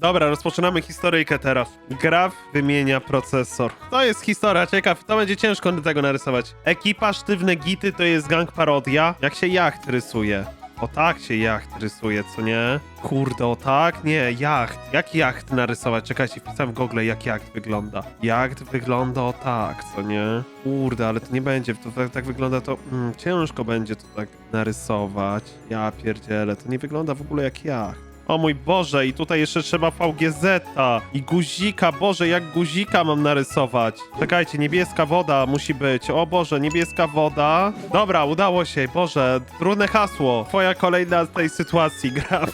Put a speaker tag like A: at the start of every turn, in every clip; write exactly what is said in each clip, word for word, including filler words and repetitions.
A: Dobra, rozpoczynamy historyjkę teraz. Graf wymienia procesor. To jest historia, ciekaw, to będzie ciężko tego narysować. Ekipa Sztywne Gity to jest gang parodia. Jak się jacht rysuje? O tak się jacht rysuje, co nie? Kurde, o tak? Nie, jacht. Jak jacht narysować? Czekajcie, wpisałem w Google, jak jacht wygląda. Jacht wygląda o tak, co nie? Kurde, ale to nie będzie, to tak, tak wygląda to... Mm, ciężko będzie to tak narysować. Ja pierdzielę, to nie wygląda w ogóle jak jacht. O mój Boże, i tutaj jeszcze trzeba V G Z-a i guzika. Boże, jak guzika mam narysować? Czekajcie, niebieska woda musi być. O Boże, niebieska woda. Dobra, udało się. Boże, trudne hasło. Twoja kolejna z tej sytuacji, Graf.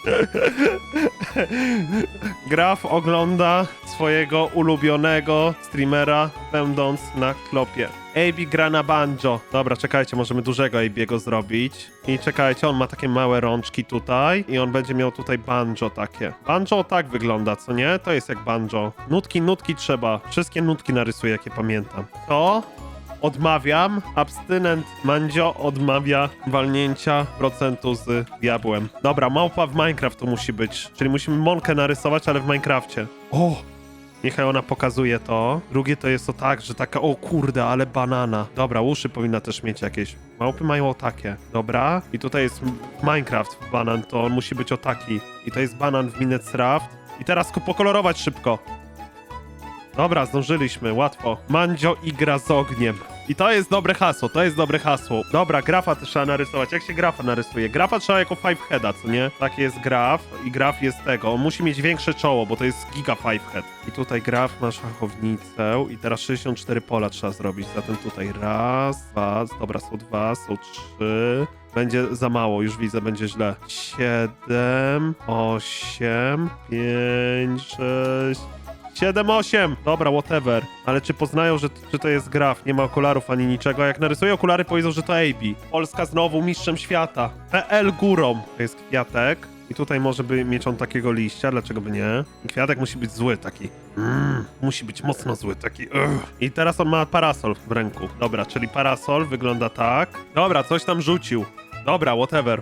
A: Graf ogląda swojego ulubionego streamera, będąc na klopie. A B gra na banjo. Dobra, czekajcie, możemy dużego A B'ego zrobić. I czekajcie, on ma takie małe rączki tutaj i on będzie miał tutaj banjo takie. Banjo tak wygląda, co nie? To jest jak banjo. Nutki, nutki trzeba. Wszystkie nutki narysuję, jakie pamiętam. To odmawiam. Abstynent Mandzio odmawia walnięcia procentu z diabłem. Dobra, małpa w Minecraft to musi być. Czyli musimy Monkę narysować, ale w Minecrafcie. O! Niechaj ona pokazuje to. Drugie to jest to tak, że taka, o kurde, ale banana. Dobra, uszy powinna też mieć jakieś. Małpy mają o takie. Dobra. I tutaj jest Minecraft banan, to on musi być o taki. I to jest banan w Minecraft. I teraz pokolorować szybko. Dobra, zdążyliśmy, łatwo. Mandzio igra z ogniem. I to jest dobre hasło, to jest dobre hasło. Dobra, grafa też trzeba narysować. Jak się grafa narysuje? Grafa trzeba jako five heada, co nie? Taki jest graf i graf jest tego. On musi mieć większe czoło, bo to jest giga five head. I tutaj graf ma szachownicę i teraz sześćdziesiąt cztery pola trzeba zrobić. Zatem tutaj raz, dwa, dobra, są dwa, są trzy. Będzie za mało, już widzę, będzie źle. Siedem, osiem, pięć, sześć... siedem, osiem! Dobra, whatever. Ale czy poznają, że, że to jest graf? Nie ma okularów ani niczego. A jak narysują okulary, powiedzą, że to A B. Polska znowu mistrzem świata. P L górą. To jest kwiatek. I tutaj może by mieć on takiego liścia, dlaczego by nie? I kwiatek musi być zły taki. Mm, musi być mocno zły taki. Ugh. I teraz on ma parasol w ręku. Dobra, czyli parasol wygląda tak. Dobra, coś tam rzucił. Dobra, whatever.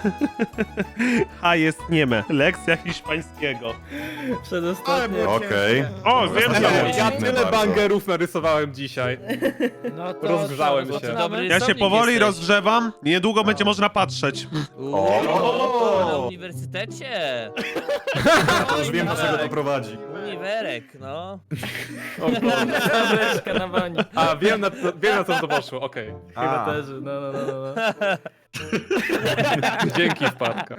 A: A jest nieme. Lekcja hiszpańskiego.
B: Przedostatnio.
C: Okej.
A: O, wiem
C: Ej,
A: co.
C: ja tyle bangerów narysowałem dzisiaj.
B: No to
C: Rozgrzałem
B: co,
C: się.
B: to dobry
A: Ja się
B: rysownik
A: powoli
B: jesteś.
A: rozgrzewam. Niedługo będzie można patrzeć.
B: Uuu, na uniwersytecie.
C: Już wiem, do czego to prowadzi.
B: Uniwerek, no.
D: Zabreczka na bani.
C: A, wiem na, to, wiem na co to poszło, okej.
D: Chyba też, no, no, no, no.
C: Dzięki, wpadka.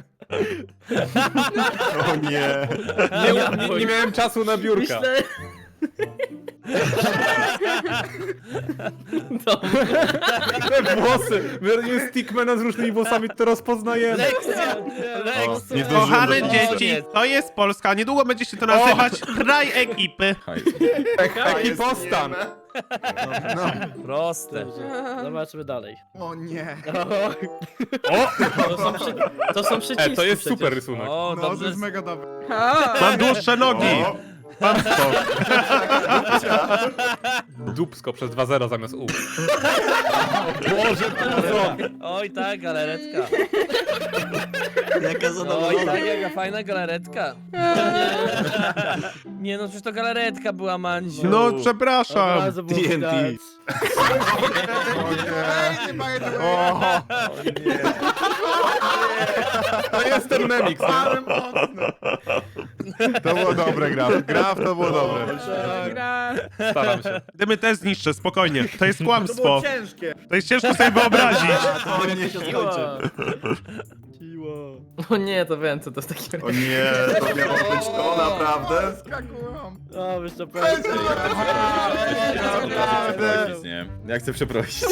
E: O nie.
C: Nie, nie, nie miałem czasu na biurka.
D: Myślę...
C: Te włosy. My robimy stickmana z różnymi włosami, to rozpoznajemy.
B: Lekcja, lekcja.
E: nie zdążyłem
A: Kochane
E: dokończyć.
A: dzieci, to jest Polska. Niedługo będzie się to nazywać kraj ekipy.
C: Ekipostan.
B: Proste.
D: Zobaczmy dalej.
E: O nie.
D: To są, przy... to są przyciski
C: E, to jest
D: przecież.
C: super rysunek.
B: O,
E: No, to
B: dobrze.
E: jest mega dobre.
A: Mam dłuższe nogi.
E: O,
A: Mam to.
C: Dupsko przez dwa zero zamiast U. Boże, to zrobi.
B: Oj, tak, galaretka.
D: Jaka
B: Oj, tak, jaka fajna galaretka. Nie no, przecież to galaretka była, Mandziu.
A: No,
D: Od
A: przepraszam.
D: razu było
E: T N T.
D: widać.
E: o nie. Nie ma jednego. O,
C: To jest ten memik.
E: ale mocno. To było dobre, Graf. Graf, to było dobre.
C: Staram się.
A: Dymy też zniszczę, spokojnie. To jest kłamstwo.
E: ciężkie.
A: To jest ciężko sobie wyobrazić.
E: To nie się skończy.
D: O nie, to wiem co to jest takie.
E: O nie, to miało być to naprawdę. Skakują.
D: O, wiesz to pewnie.
E: Naprawdę.
F: Nie, ja chcę przeprosić.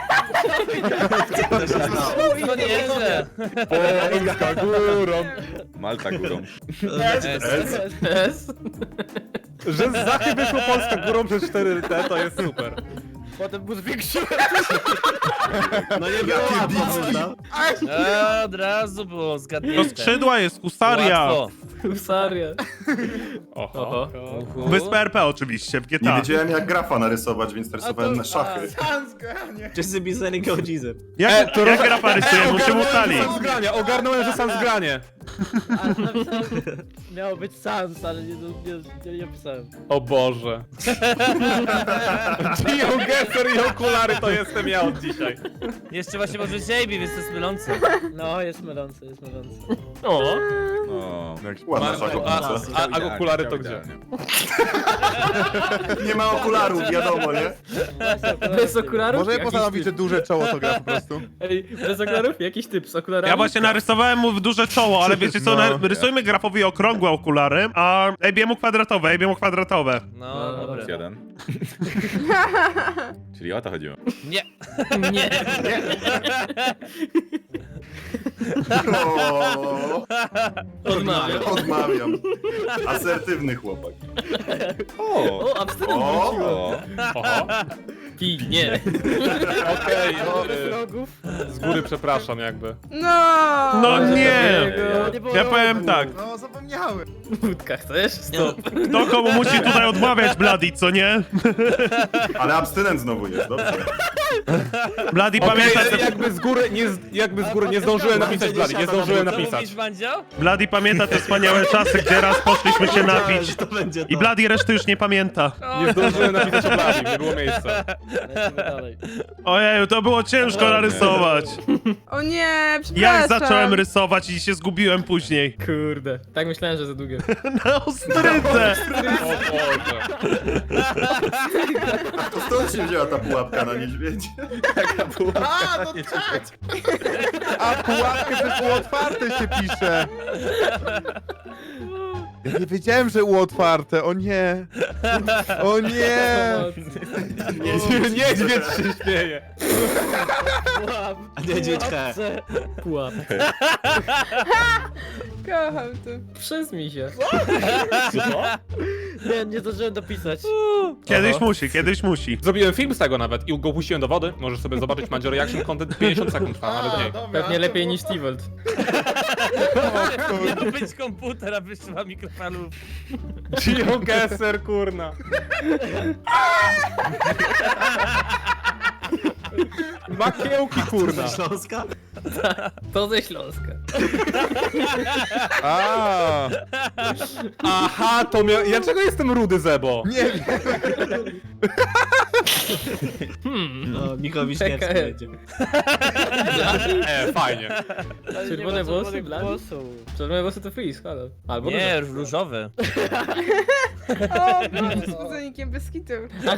B: No nieźle.
C: Polska górą.
F: Malta górą.
B: S.
D: S.
C: Że z Zachy wyszło Polska górą przez cztery T, to jest super.
D: Potem był zwiększyłem.
E: No nie jakie bicki.
B: E, od razu było
A: To
B: zgadnięte.
A: skrzydła jest husaria.
B: Łatwo.
D: Husaria.
C: Oho.
D: Oho.
A: Wyspę R P oczywiście, w G
E: Nie
A: T A.
E: wiedziałem jak grafa narysować, więc narysowałem na szachy.
G: Wszyscy pisali godziny.
A: Jak,
C: E, to
A: jak
C: roz-
A: grapa rysuje? Musimy ustalić.
C: Sam zgrania, ogarnąłem, że sam zgranie.
B: A napisałem, miało być Sans, ale nie, nie, nie, nie pisałem.
C: O Boże. Geogeser i okulary to jestem ja od dzisiaj.
B: Jeszcze właśnie może być A B, więc to jest mylące. No, jest mylące, jest mylące.
C: O.
F: O.
E: Ładna
C: Marko, a,
E: szachownica.
C: a, a okulary to gdzie?
F: Idealnie.
E: Nie ma okularów, wiadomo, nie?
D: Bez okularów?
H: Może ja
D: Jakiś
H: postanowić, że
D: typ.
H: duże czoło to gra po prostu.
D: Ej, bez okularów? Jakiś typ z okularami?
A: Ja właśnie narysowałem mu w duże czoło, ale wiecie co,
H: No.
A: na- rysujmy grafowi okrągłe okulary, a A B mu kwadratowe, A B mu kwadratowe.
B: No, dobra.
F: Plus jeden. Czyli o to chodziło.
B: Nie.
D: Nie.
E: O,
D: Odmawiam.
E: odmawiam. Asertywny chłopak.
F: O!
D: O, abstynent
E: O.
D: wróciło.
F: O!
C: Oho.
D: Pij, nie.
C: Okej, no, y,
B: Rogów.
C: z góry przepraszam jakby.
I: No!
A: No nie!
B: No, nie było
A: Ja
B: rogu.
A: powiem tak,
H: No, zapomniałem.
D: Wódka chcesz? Stop.
A: kto komu musi tutaj odmawiać Bloody, co nie?
E: Ale abstynent znowu jest, dobrze.
A: Bloody
C: Okej,
A: pamięta, te,
C: jakby z góry nie, z- jakby z góry nie zdążyłem napisać Blady, nie zdążyłem
B: Co
C: napisać.
B: mówisz, Mandzio?
A: Bloody pamięta te wspaniałe czasy, gdzie raz poszliśmy się napić
G: To będzie to.
A: i Bloody reszty już nie pamięta.
C: Nie zdążyłem napisać o Blady, nie było miejsca.
B: Lecimy dalej.
A: Ojeju, to było ciężko narysować.
I: O nie, przepraszam.
A: Jak zacząłem rysować i się zgubiłem później.
D: Kurde. Tak myślałem, że za długie.
A: Na ostrydze!
C: O Boże.
E: To stąd się wzięła ta pułapka na niedźwiedzie.
H: A, no tak! A pułapkę też u otwarte się pisze. Ja nie wiedziałem, że u otwarte, o nie. O nie.
C: Niedźwiedź się śmieje.
G: A niedźwiedź he.
D: Pułap.
I: Kocham to.
D: Przez mi się.
B: Nie, nie zdążyłem dopisać.
A: Kiedyś musi, kiedyś musi.
C: Zrobiłem film z tego nawet i go puściłem do wody. Możesz sobie zobaczyć Mandzio Reaction Content pięćdziesiąt sekund trwa, nawet mniej.
D: Pewnie lepiej niż Tivolt.
B: Miał być komputer, a wyszła mikrofalów.
C: Geogeser, kurna. Makiełki, kurna.
G: Śląska?
D: To ze Śląska.
H: A,
C: Aha, to miał... Ja czego jestem rudy, Zebo?
H: nie wiem.
G: No, Michał Wiśniewski
D: Czekaj.
G: będzie.
C: E, fajnie.
D: Czerwone włosy, blady? Czerwone włosy to freeze, halo. Albo
B: Nie, różowe.
I: O, Boże, z buzonikiem bez kitu.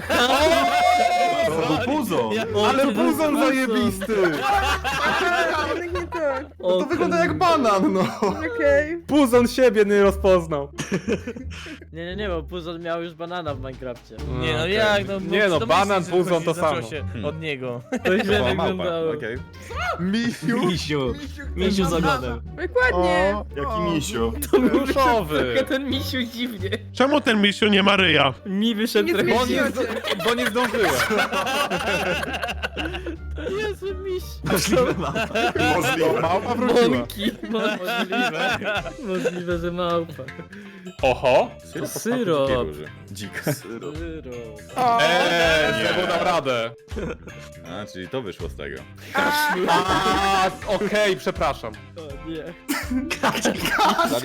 E: To był puzo.
C: Ale buzon zajebisty.
I: A, jednak nie to.
D: O,
E: To wygląda jak banan, no.
I: Okej.
C: Buzon siebie nie rozpoznał.
J: Nie, nie, nie, bo Puzon miał już banana w Minecrafcie.
B: Nie no
C: Okej.
B: jak, no
C: Nie no,
B: domyślić,
C: banan,
B: że
C: puzon
B: chodzi-
C: to
B: zaczęło
C: samo.
B: się od niego.
D: To źle
F: To była małpa,
D: wyglądało.
F: okej.
H: Misiu.
G: Misiu. Misiu z ogonem.
I: Dokładnie.
H: O,
E: Jaki misio.
C: Różowy.
D: Tylko ten misiu dziwnie.
A: Czemu ten misiu nie ma ryja?
D: Mi wyszedł
I: Nie
D: trochę
C: Bo nie,
I: zmieściło
D: dziwnie.
I: się.
C: bo nie zdążyłem.
D: Jezu, miś.
G: Możliwe mapa.
E: Możliwe.
H: małpa wróciła.
D: Mąki. Możliwe. Możliwe, że małpa.
C: Oho.
F: Syrop.
D: Syrop.
F: Dzikiej róży. Dzika.
I: O,
C: Eee, Zebo dam radę.
F: A, czyli to wyszło z tego.
C: A, okej, przepraszam.
D: O nie.
F: Blady?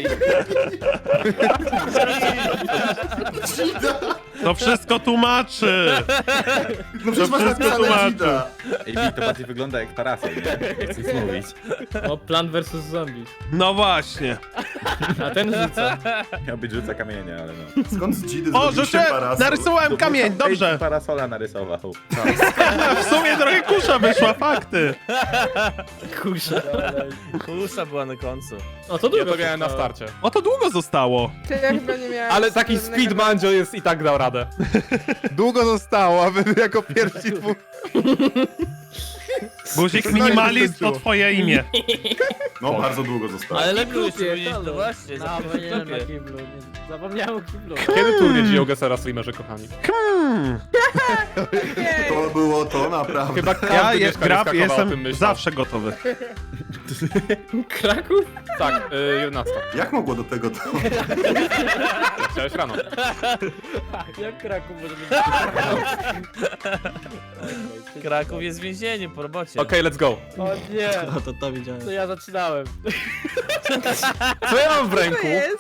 A: To wszystko tłumaczy.
E: No przecież masz
A: wszystko
E: napisane
A: tłumaczy.
E: Gida.
F: Ej, to bardziej wygląda jak parasol, nie? Nie chcę nic mówić.
D: O, Plant versus Zombies.
A: No właśnie.
D: A ten rzuca.
F: Miał być rzuca kamienia, ale no.
E: Skąd z Gidy
A: O,
E: zrobił się
A: rzeczy!
E: parasol?
A: Narysowałem kamień, dobrze.
F: Ej, parasola narysował.
A: W sumie trochę kusza wyszła, fakty.
D: Kusza.
B: Kusza była na końcu.
D: O, to
C: Ja
D: długo
C: to miałem na
D: trwało.
C: starcie.
A: O, to długo zostało.
I: to ja chyba nie miałam.
C: Ale taki
I: żadnego-
C: speed mandzio jest i tak dał radę.
H: Długo zostało, a wy jako pierwsi dwóch.
A: Guzik minimalist to twoje imię.
E: No, bardzo długo zostało.
D: Ale na
B: Kiblu jeszcze
D: grupie,
B: powiedzieć,
D: halo.
B: to właśnie,
J: No,
B: zapomniałem
J: powinienem na
B: na
J: kiblu. Nie, zapomniałem o kiblu.
C: Kiedy turniej Geogesera streamerze, kochani?
A: Hmm.
I: Okej.
E: To było to, naprawdę.
C: Chyba każdy
A: Ja jest
C: mieszkaniec
A: graf,
C: Krakowa o tym
A: jestem
C: myślał.
A: zawsze gotowy.
D: Kraków?
C: Tak, y, jedenasta.
H: Jak mogło do tego to?
C: Chciałeś rano.
B: Jak Kraków może być?
J: Kraków jest więzieniem po robocie.
C: Okej, let's go.
B: O nie,
G: No to to widziałem.
B: to ja zaczynałem.
C: Co ja mam w
I: To
C: ręku?
I: jest.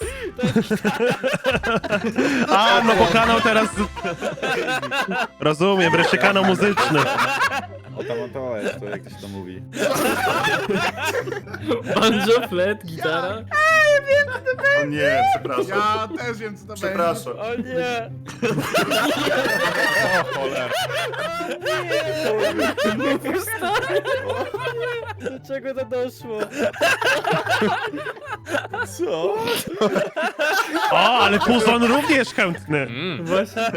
A: A, no bo kanał teraz... Rozumiem, wreszcie kanał muzyczny.
F: O tam o to jest, to jak to się to mówi.
D: Banjo, flet, gitara.
H: O nie, przepraszam.
E: Ja też wiem, co to
H: Przepraszam.
B: O nie.
C: O cholera.
B: Do czego to doszło?
F: Co?
A: O, ale Puzon również chętny.
C: Mm.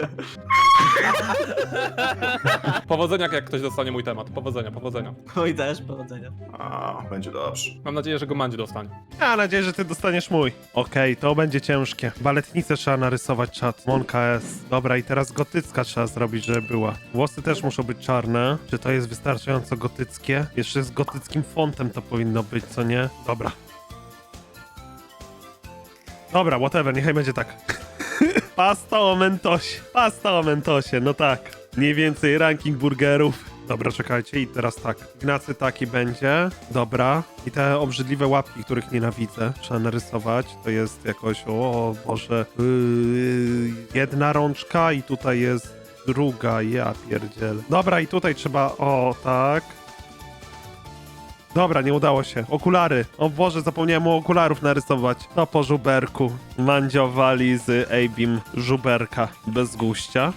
C: Powodzenia, jak ktoś dostanie mój temat. Powodzenia, powodzenia.
G: Oj, też, powodzenia.
H: A, będzie dobrze.
C: Mam nadzieję, że go Mandzie dostanie.
A: Ja mam nadzieję, że ty dostaniesz mój. Okej, to będzie ciężkie. Baletnicę trzeba narysować, czat. Monka S. Dobra, i teraz gotycka trzeba zrobić, żeby była. Włosy też muszą być czarne. Czy to jest wystarczająco gotyckie? Jeszcze z gotyckim fontem to powinno być, co nie? Dobra. Dobra, whatever, niechaj będzie tak. Pasta o mentosie. Pasta o mentosie, no tak. Mniej więcej ranking burgerów. Dobra, czekajcie i teraz tak. Ignacy taki będzie. Dobra. I te obrzydliwe łapki, których nienawidzę, trzeba narysować. To jest jakoś, o Boże, yy, jedna rączka i tutaj jest druga, ja pierdziel. Dobra, i tutaj trzeba, o tak. Dobra, nie udało się. Okulary. O Boże, zapomniałem o okularów narysować. To po żuberku. Mandzio wali z Abim żuberka bez guścia.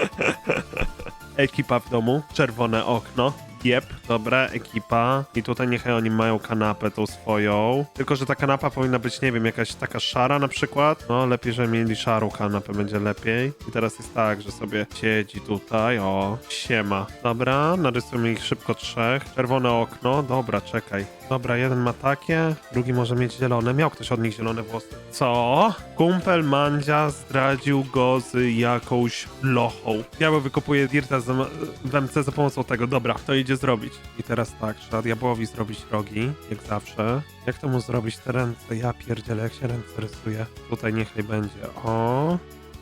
A: Ekipa w domu. Czerwone okno. Jep, dobra, ekipa. I tutaj niechaj oni mają kanapę tą swoją. Tylko, że ta kanapa powinna być, nie wiem, jakaś taka szara na przykład. No, lepiej, że mieli szarą kanapę, będzie lepiej. I teraz jest tak, że sobie siedzi tutaj, o, siema. Dobra, narysujmy ich szybko trzech. Czerwone okno, dobra, czekaj. Dobra, jeden ma takie, drugi może mieć zielone. Miał ktoś od nich zielone włosy. Co? Kumpel Mandzia zdradził go z jakąś lochą. Diabeł wykopuje dirta z- w M C za pomocą tego. Dobra, to idzie zrobić. I teraz tak, trzeba diabłowi zrobić rogi, jak zawsze. Jak to mu zrobić te ręce? Ja pierdzielę, jak się ręce rysuje. Tutaj niechaj będzie. O.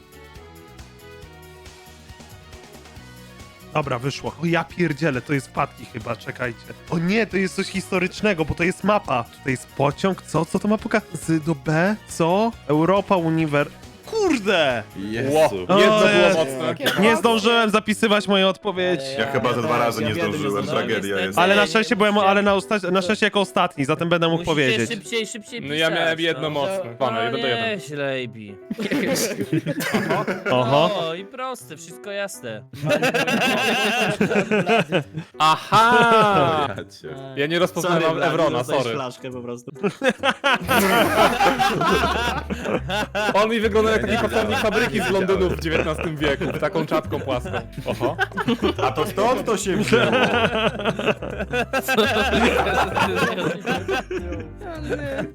A: Dobra, wyszło. O ja pierdzielę, to jest wpadki chyba, czekajcie. O nie, to jest coś historycznego, bo to jest mapa. Tutaj jest pociąg, co? Co to ma pokazać? Z do B? Co? Europa Uniwer... Kurde!
F: Jezu.
C: Ło, jedno było
A: Eee.
C: mocne.
A: Nie zdążyłem zapisywać mojej odpowiedzi.
H: Ja chyba ze dwa razy
G: ja
H: nie
G: wiem,
H: zdążyłem,
G: że
H: tragedia jest.
A: Ale na szczęście byłem, ale na, osta- na szczęście jako ostatni, zatem będę mógł
J: Musicie
A: powiedzieć.
J: szybciej, szybciej
C: No
J: pisać,
C: ja miałem jedno
J: no.
C: mocne. Pana,
J: No
C: jeden do jeden.
J: nieźle, Ejbi.
A: Oho.
J: O, i proste, wszystko jasne.
C: Aha!
F: Ja cię.
C: Ja nie
G: Sorry,
C: rozpoznałem
G: Blady,
C: Evrona,
G: dostałeś
C: sorry.
G: flaszkę po prostu.
C: On mi wygląda jak taki pracownik fabryki z Londynu w dziewiętnastym wieku, z taką czapką płaską. Oho.
H: A to stąd to się wzięło.
I: O nie.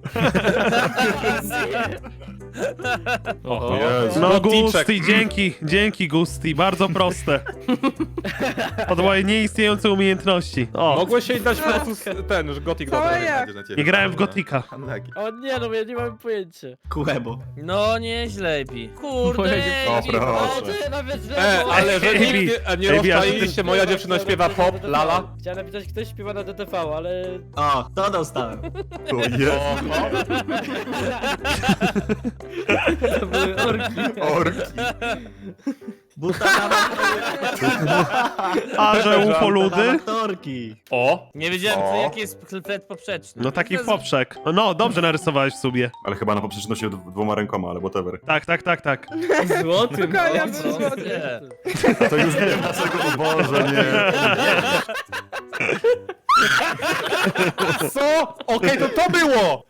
C: Oho.
H: Jezu.
A: No
C: Goticzek.
A: Gusti, dzięki, dzięki Gusti, bardzo proste. Od mojej nieistniejącej umiejętności. O,
C: Mogłeś się dać po prostu z- ten, że Gothic
I: Całe
C: dobry.
I: jak?
F: Będzie na ciebie.
A: nie grałem w Gotika.
F: Unlucky.
B: O nie, no ja nie mam pojęcia.
G: Kuebo.
J: No nieźle, Ejbi. Kurde,
B: O,
J: Ejbi.
H: proszę.
B: ty nawet źle.
C: E, ale że
A: Ej,
C: nigdy nie
A: Ej,
C: rozczaliliście, moja dziewczyna śpiewa pop, lala.
B: Chciałem napisać, ktoś śpiewa na D T V, ale...
G: O, to dostałem.
H: O Jezu.
C: Oho.
J: To były orki.
H: Orki.
G: Buta na
A: A, że ufoludy?
G: aktorki.
C: O!
J: Nie wiedziałem,
H: O.
J: co, jaki jest flet poprzeczny.
A: No taki poprzek. No, dobrze narysowałeś w sobie.
H: Ale chyba na poprzeczności dw- dwoma rękoma, ale whatever.
A: Tak, tak, tak, tak.
D: Złotym.
I: Spokojnie,
J: O,
I: był
J: co?
I: złoty.
J: Nie.
H: To już wiem dlaczego, o Boże, nie.
C: Co? Okej, to to było!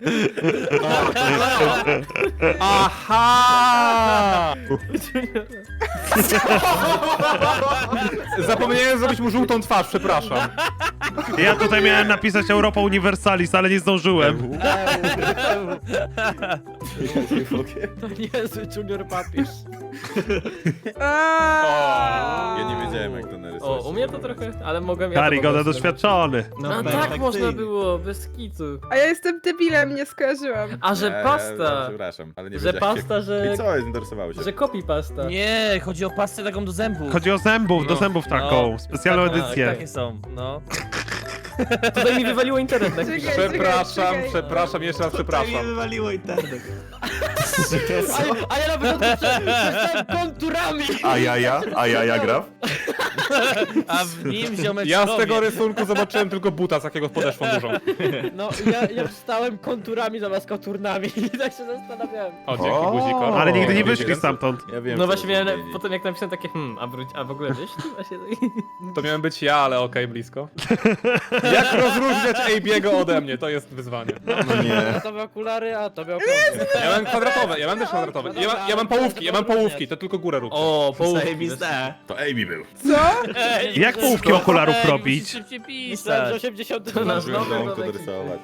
C: Aha! Zapomniałem zrobić mu żółtą twarz, przepraszam.
A: Ja tutaj miałem napisać Europa Universalis, ale nie zdążyłem.
J: To niezły junior papież.
I: Aaaa.
F: Ja nie wiedziałem jak to narysować.
D: O, u mnie to trochę, ale mogłem... ja to
A: Karygoda
D: mogłem
A: doświadczony.
G: No,
J: tak
D: A tak
G: perfekcyjnie.
D: można było, bez kitu.
I: A ja jestem debilem, nie skojarzyłam.
D: A że
F: Eee,
D: pasta,
F: Przepraszam, ale nie
D: że
F: wiedziałem.
D: pasta, że...
F: I co, interesowało się?
D: że kopi pasta.
K: Nie, chodzi o pastę taką do zębów.
A: Chodzi o zębów, do
D: No.
A: zębów taką,
K: No.
A: specjalną
K: Tak,
A: edycję.
K: Takie są, no.
D: Tutaj mi wywaliło internet. Tak
I: Czekaj,
D: pisze.
C: Przepraszam,
I: czekaj.
C: przepraszam, jeszcze raz
G: Tak mi
C: przepraszam.
G: wywaliło internet.
J: A, a ja na początku prze- przeczytałem konturami.
E: A jaja? A jaja graf?
K: A w nim ziomek
C: Ja z tego rysunku zobaczyłem tylko buta z jakiego podeszwą dużą.
J: No, ja, ja wstałem konturami zamiast konturnami i tak się zastanawiałem.
C: O, dzięki
E: O.
C: guziko.
A: Ale nigdy nie
F: O,
A: wyszli
F: wiecie,
A: stamtąd.
F: Ja wiem,
D: No
F: co
D: właśnie miałem,
F: powiedzieć.
D: potem jak napisałem takie hmm, a, wróć, a w ogóle wyszli? Właśnie tak.
C: To miałem być ja, ale okej, blisko. Jak rozróżniać A B'ego ode mnie? To jest wyzwanie.
E: No nie.
J: A to były okulary, a to były okulary.
C: Ja mam kwadratowe, ja mam też kwadratowe. Ja, mam- ja mam połówki, ja mam połówki, to tylko górę rób.
D: O, połówki.
G: Zajebiste.
F: To A B był.
I: Co?
K: Ej,
A: Jak połówki okularów
K: Ej,
A: robić?
K: musisz szybciej
J: Myślałem, że
K: pisać.
J: osiemdziesiąt
D: To nasz
F: Zdążyłem
D: nowy
F: domku
D: domek.
F: dorysować.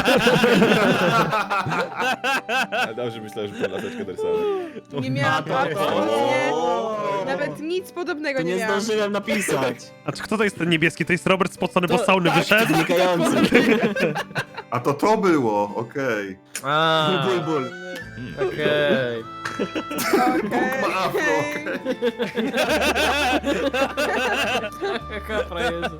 F: Ale dobrze myślałem, że to laseczkę dorysować.
I: Nie miałam
G: to-
I: absolutnie
G: O.
I: nawet nic podobnego
G: To
I: nie
G: nie
I: miałam.
G: zdążyłem napisać.
A: A czy kto to jest ten niebieski? To jest Robert spocony, bo z sauny wyszedł?
G: Znikający.
E: A to to było, okej.
D: A,
G: Ból, ból.
D: okej.
I: Okej.
E: Ma afro, okej.
D: Jaka frajerze.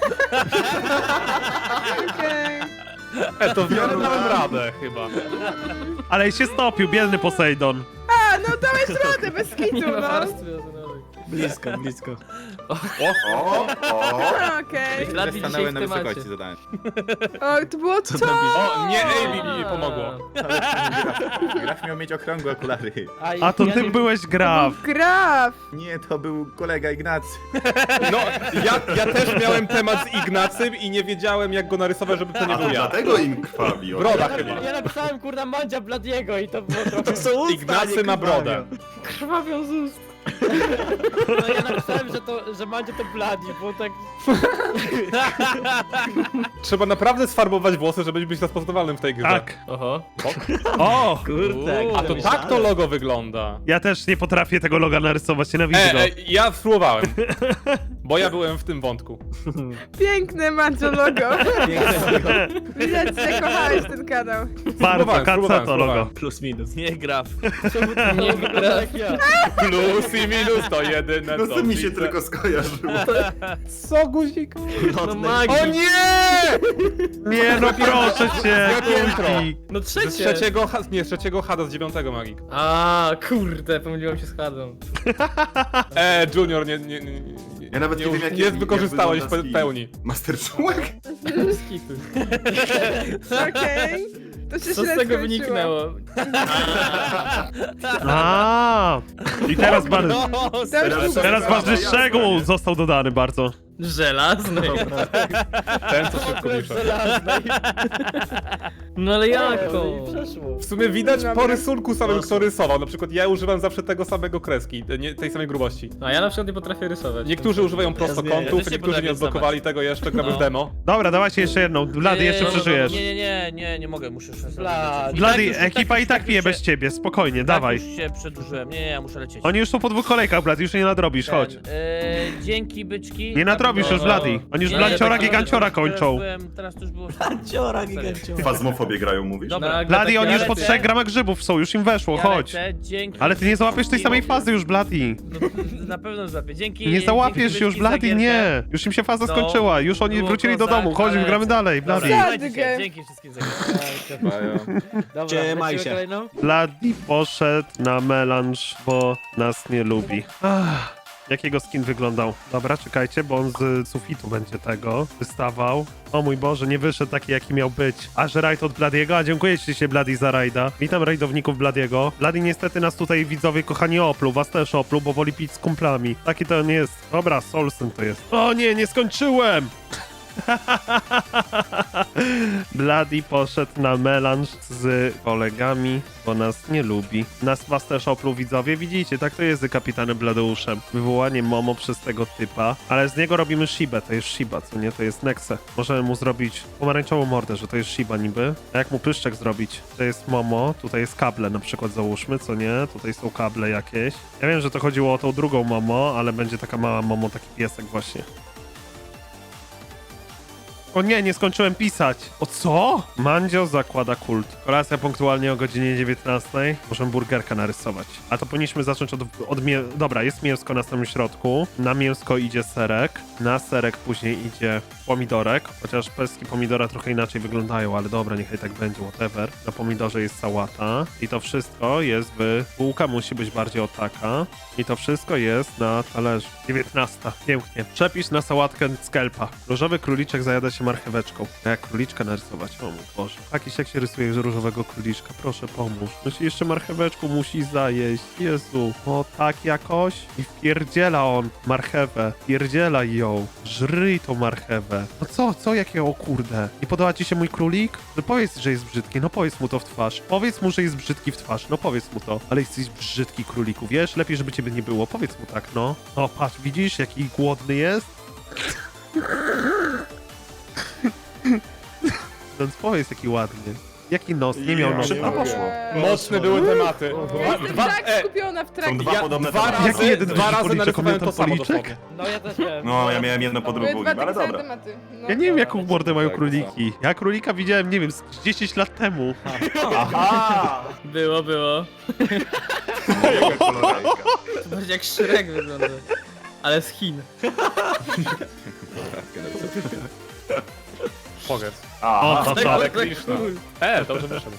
I: Okej.
C: E, to w miarę dałem radę chyba.
A: Ale się stopił, biedny Posejdon.
I: A, no dałeś radę, bez kitu,
D: Nie ma
I: no.
D: warstwy ozonowej.
G: Blisko, blisko.
E: O, o.
I: Okej.
D: Lat dzisiaj
F: Stanęły
D: w
F: na
D: temacie.
F: wysokości zadania.
I: O, to było to!
C: O, nie A B mi pomogło.
F: Graf miał mieć okrągłe okulary.
A: A to
J: ja
A: ty
J: nie-
A: byłeś Graf.
I: Graf!
F: Nie, to był kolega Ignacy.
C: No, ja, ja też miałem temat z Ignacym i nie wiedziałem jak go narysować, żeby to nie
E: A
C: był
E: to
C: ja.
E: dlatego im krwawi. okej.
C: Broda chyba.
J: Ja napisałem kurna Mandzia Bladiego i to było trochę...
G: To są usta,
C: Ignacy
G: nie
C: ma brodę.
D: Krwawią z ust.
J: No ja napisałem, że to, że Mandzia to Bladi, bo tak...
C: Trzeba naprawdę sfarbować włosy, żeby być rozpoznawalnym w tej grze.
A: Tak.
D: Oho.
A: O!
G: Kurde,
C: A to tak to logo wygląda.
A: Ja też nie potrafię tego loga narysować, nienawidzę
C: E,
A: go.
C: e, ja spróbowałem. Bo ja byłem w tym wątku.
I: Piękne Mandzio logo. Widać, że kochałeś ten kanał.
A: Bardzo,
C: spróbowałem,
A: kaca
C: spróbowałem,
A: to logo.
C: spróbowałem.
G: Plus minus.
K: Nie graf.
J: Nie wygląda jak ja.
C: Plus i minus to jedyne
E: No
C: co
E: to mi się
C: widzę.
E: tylko skojarzyło.
C: Co guzik?
J: No magii.
C: O nie!
A: Nie no proszę cię,
C: Intro.
A: Kulki.
D: No
C: Z
D: trzecie.
C: trzeciego, ha- nie, z trzeciego Hada, z dziewiątego Magik.
D: A, kurde, pomyliłem się z Hadą.
C: E, Junior, nie, nie, nie, nie,
E: Ja nawet nie
C: nie,
E: wiem, jak-
C: nie
E: jak
C: wykorzystałeś w
E: wygląda
C: pe-
E: skin.
C: pełni.
E: Master Człowiek?
D: Skity.
I: Okej. To się
D: Co z
I: źle
D: tego
I: skończyło.
D: wyniknęło?
A: A, i teraz bardzo,
K: No,
I: Teraz-
A: teraz ważny szczegół został dodany bardzo.
D: Żelazny.
C: Ten, co szybko pisze.
D: No ale jak
J: No
D: to?
J: i przeszło.
C: W sumie widać po rysunku samym, kto rysował. Na przykład ja używam zawsze tego samego kreski, nie, tej samej grubości.
D: A ja na przykład nie potrafię rysować.
C: Niektórzy używają
G: zmienię. Ja
C: prostokątów,
K: też nie
C: niektórzy nie
K: potrafię
C: odblokowali tego jeszcze, gramy
K: No.
C: w demo.
A: Dobra, dawajcie jeszcze jedną. Blady, jeszcze
K: Nie,
A: przeżyjesz.
K: Nie, nie, nie, nie, nie mogę, muszę już
J: Blady.
A: Blady, ekipa i tak pije bez ciebie, spokojnie, dawaj.
K: Tak już się przedłużyłem, nie, nie, ja muszę lecieć.
A: Oni już są po dwóch kolejkach, Blady, już nie nadrobisz, chodź.
K: Ten, e, dzięki, byczki.
A: Nie nadrobisz już,
K: No,
A: Blady. Oni już
K: nie,
A: Blanciora,
K: tak,
A: Giganciora
K: teraz
A: kończą.
K: byłem- Teraz to już było...
G: Ciora, giganciora.
E: Fazmofobię grają, mówisz?
K: Dobra.
A: Blady, oni już po
K: lecę.
A: trzech gramach grzybów są, już im weszło,
K: Ja
A: chodź.
K: lecę, dzięki.
A: Ale ty nie załapiesz tej samej fazy już, Blady.
K: No, na pewno złapię, dzięki.
A: Nie załapiesz
K: dzięki,
A: już,
K: byczki, za
A: Blady,
K: gierkę.
A: nie. Już im się faza
K: No,
A: skończyła, już oni
K: było
A: wrócili do
K: kozak,
A: domu, chodź,
K: ale-
A: gramy dalej,
K: Dobra,
A: Blady.
K: trzymajcie się,
I: Sadgę.
K: dzięki wszystkim za gierkę.
F: Mają.
J: Dobra,
G: Trzymaj
J: lecimy
G: się.
J: kolejną?
A: Blady poszedł na melanż, bo nas nie lubi. Ach, jakiego skin wyglądał? Dobra, czekajcie, bo on z sufitu będzie tego wystawał. O mój Boże, nie wyszedł taki, jaki miał być. Aż rajd od Bladiego, a dziękuję ci się, Blady, za rajda. Witam rajdowników Bladiego. Blady niestety nas tutaj, widzowie kochani, opluł, was też opluł, bo woli pić z kumplami. Taki to nie jest. Dobra, Solsyn to jest. O nie, nie skończyłem! Bloody poszedł na melanż z kolegami, bo nas nie lubi. Nas was też opluł widzowie, widzicie, tak to jest z kapitanem Bladeuszem. Wywołanie Momo przez tego typa, ale z niego robimy Shibę, to jest Shiba, co nie, to jest Nexe. Możemy mu zrobić pomarańczową mordę, że to jest Shiba niby. A jak mu pyszczek zrobić? To jest Momo, tutaj jest kable na przykład załóżmy, co nie, tutaj są kable jakieś. Ja wiem, że to chodziło o tą drugą Momo, ale będzie taka mała Momo, taki piesek właśnie. O nie, nie skończyłem pisać. O co? Mandzio zakłada kult. Kolacja punktualnie o godzinie dziewiętnastej. Możemy burgerka narysować. A to powinniśmy zacząć od... od mie Dobra, jest mięsko na samym środku. Na mięsko idzie serek. Na serek później idzie pomidorek. Chociaż pestki pomidora trochę inaczej wyglądają, ale dobra, niechaj tak będzie, whatever. Na pomidorze jest sałata. I to wszystko jest w... Bułka musi być bardziej o taka. I to wszystko jest na talerzu. dziewiętnasta. Pięknie. Przepis na sałatkę skelpa. Różowy króliczek zajada się marcheweczką. A jak króliczka narysować? O mój Boże. Jakiś jak się rysuje z różowego króliczka? Proszę pomóż. No się jeszcze marcheweczką musi zajeść. Jezu. O tak jakoś? I wpierdziela on marchewę. Wpierdziela ją. Żryj tą marchewę. No co? Co jakiego? O kurde. Nie podoba ci się mój królik? No powiedz, że jest brzydki. No powiedz mu to w twarz. Powiedz mu, że jest brzydki w twarz. No powiedz mu to. Ale jesteś brzydki, króliku. Wiesz? Lepiej, żeby ciebie nie było. Powiedz mu tak, no. O, patrz, widzisz, jaki głodny jest? Więc powiedz, jaki ładny. Jaki nos? Nie miał nosa.
E: Szybko poszło.
C: Mocne były tematy.
I: Ja jestem
C: Dwa,
I: tak
C: e,
I: skupiona w
E: Są
I: trakcie.
E: dwa
C: ja
E: podobne
C: dwa
E: tematy.
C: razy,
A: Jaki jeden
C: dwa
A: duży
C: razy
A: policzek,
C: narysowałem
A: jeden
C: to samo
A: policzek?
C: dosłownie.
J: No ja też miałem.
E: No, ja miałem jedno po
I: Były
E: drugim,
I: dwa
E: ale
I: takie same
E: dobra.
I: tematy. No.
A: Ja nie wiem, jaką mordę mają króliki. Ja królika widziałem, nie wiem, z dziesięć lat temu.
E: Aha!
D: Było, było.
E: Jaka kolorajka.
D: To bardziej jak Shrek wygląda. Ale z Chin.
C: Powiedz.
A: O,
E: Aha.
A: to co?
C: Ale Krishna. E, dobrze wyszedł.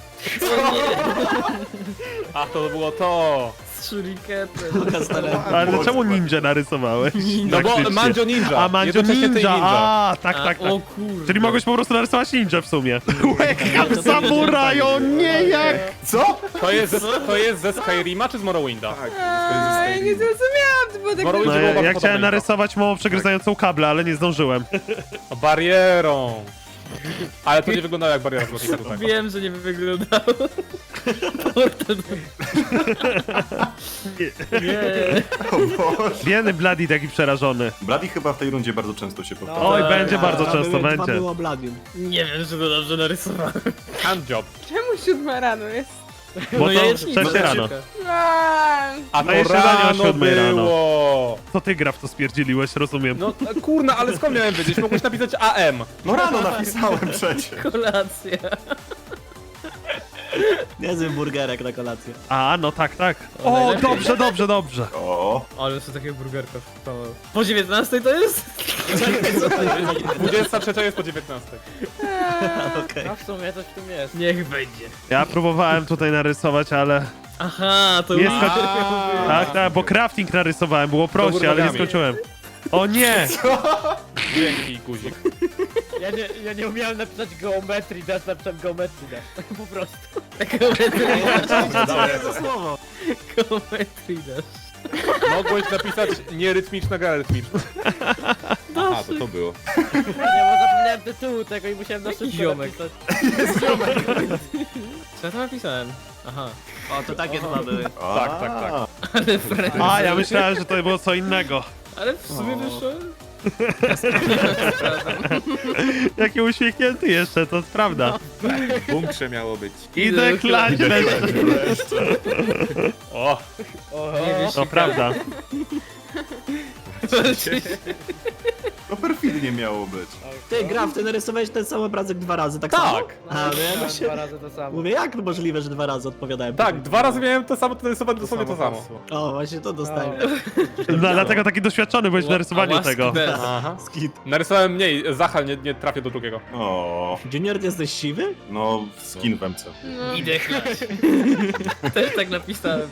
C: A to było to.
D: Z shuriketem.
A: Ale dlaczego ninja narysowałeś?
C: No bo
A: Faktycznie.
C: Mandzio Ninja.
A: A, Mandzio
C: Jednocześnie ty
A: ninja. A, tak,
D: A,
A: tak, tak.
D: O kurde.
A: Czyli mogłeś po prostu narysować ninja w sumie. Wake up, samuraj, o nie, jak...
E: Co?
C: To jest, ze, to jest ze Skyrima czy z Morrowinda?
E: Tak,
I: A, ja nie zrozumiałam, to było tak...
C: Morrowind
A: No,
C: było
A: ja,
C: bardzo
A: ja chciałem
C: podobne.
A: narysować mało przegryzającą kable, ale nie zdążyłem.
C: Barierą. Ale to nie wyglądało jak bariera z Lotnika tutaj.
D: Wiem, że nie wyglądało. Nie.
E: O Boże.
A: Biedny Bloody taki przerażony.
E: Bloody chyba w tej rundzie bardzo często się powtarza.
A: Oj,
D: Tak.
A: będzie bardzo
G: A,
A: często,
G: były-
A: będzie.
G: Dwa było Bladim.
D: Nie wiem, że to dobrze narysowałem.
C: Handjob.
I: Czemu siódma rano jest?
A: Bo
D: No
A: to
D: jajecznica.
A: trzecie rano.
I: A,
C: A
A: No
C: to
A: jeszcze danie o
C: rano
A: siódmej rano.
C: było.
A: To ty gra w to spierdzieliłeś, rozumiem.
C: No kurna, ale skąd miałem wiedzieć? Mogłeś napisać A M.
E: No rano napisałem przecież.
D: Kolacja.
G: Niezły burgerek na kolację.
A: A, no tak, tak.
D: O,
A: O,
D: najlepiej.
A: dobrze, dobrze, dobrze.
E: O,
D: Ale co takiego burgerka wstało. Po dziewiętnastej to jest?
C: dwudziesta trzecia jest po dziewiętnastej.
G: Okej.
J: No w sumie coś w tym jest.
D: Niech będzie.
A: Ja próbowałem tutaj narysować, ale...
D: Aha, to
A: Nie
D: już...
A: skończy... Tak, tak, bo crafting narysowałem, było prościej, ale nie
C: nogami.
A: skończyłem. O nie!
C: Dzięki, guzik.
J: Ja nie, ja nie umiałem napisać geometrii dash, napisałem geometrii dash. Po prostu.
G: Co jest to słowo?
D: Geometrii dash.
C: Mogłeś napisać nierytmiczna gra rytmiczna.
F: Aha, to to było.
J: Nie, bo zapomniałem tytułu tego i musiałem na szybko
D: ziomek.
J: napisać.
D: Co ja tam napisałem? Aha.
G: O, to takie dwa były.
C: Tak, tak, tak.
D: Ale friend.
A: A, ja myślałem, że to było co innego.
D: Ale w sumie
G: O.
D: wyszło...
A: Jaki uśmiechnięty jeszcze, to prawda.
F: W bunkrze miało być.
A: Idę klać bez...
C: O,
D: Nie wiesz,
A: To prawda.
E: to perfidnie miało być.
G: Ty, Graf, ty narysowałeś ten sam obrazek dwa razy, tak, samo?
C: tak.
G: A, no ja
J: Dwa
G: myślę...
J: razy to samo.
G: Mówię, jak możliwe, że dwa razy odpowiadałem?
C: Tak, dwa razy miałem to samo, to narysowałem dosłownie to samo.
G: O, właśnie to dostałem.
A: No, dlatego taki doświadczony byłeś w narysowaniu
D: Łaski
A: tego.
D: bez.
C: Aha.
G: Skit.
C: Narysowałem mniej, Zachal nie, nie trafię do drugiego.
E: O,
G: Junior, ty jesteś siwy?
E: no skin w M C.
I: no.
D: Idę chlać. Też tak napisałem.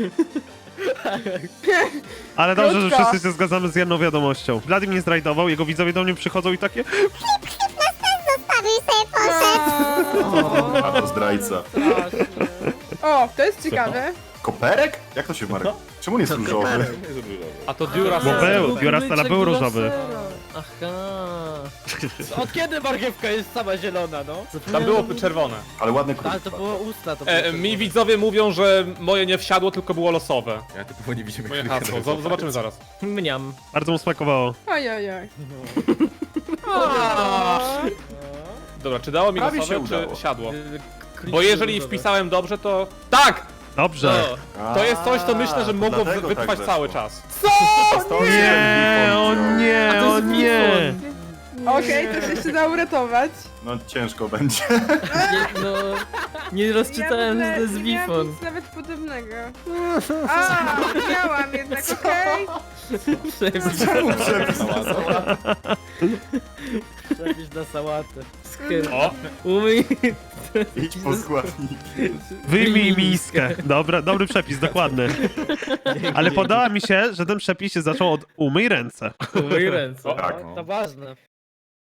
A: Ale dobrze, że
I: Krótko.
A: wszyscy się zgadzamy z jedną wiadomością. Vladim mnie zrajdował, jego widzowie do mnie przychodzą i takie...
E: A to zdrajca.
J: Strasznie.
I: O, to jest ciekawe.
E: Koperek? Jak to się marka? Czemu nie jest różowy?
G: koperek.
C: A to dziura
A: Bo był, Duracell był różowy.
D: Aha.
B: Od kiedy marchewka jest sama zielona, no?
C: Tam było czerwone.
H: Ale ładny
B: Ale
H: krótko.
B: to było usta, to było
C: E, mi widzowie mówią, że moje nie wsiadło, tylko było losowe.
F: Ja typowo nie widzimy
C: Moje
F: królika
C: hasło.
F: narysować.
C: Z- Zobaczymy zaraz.
D: Mniam.
A: Bardzo mu smakowało.
I: Oj, oj, oj.
C: Dobra, czy dało mi
H: Prawie
C: losowe,
H: się udało.
C: czy siadło?
D: K-
C: Bo jeżeli
D: kluczowe.
C: wpisałem dobrze, to... Tak!
A: Dobrze.
D: O,
C: To jest coś, co myślę, że
H: A,
C: mogło
H: dlatego
C: wytrwać
H: tak
C: cały
H: weszło.
C: czas.
A: Nie, o nie,
D: A to
A: o
D: jest
A: nie.
I: Okej, to się jeszcze da uratować.
H: No ciężko będzie.
D: nie, no... Nie rozczytałem, że to jest
I: nie miałam
D: Wifon.
I: nic nawet podobnego. A, miałam jednak, okej.
B: Przepis na sałatę.
C: O!
D: Umyj.
H: Idź po składniki.
A: Wyjmij miskę. Dobra, dobry przepis, dokładny. Ale podoba mi się, że ten przepis się zaczął od umyj ręce.
D: Umyj ręce.
C: O,
H: Tak.
B: To ważne.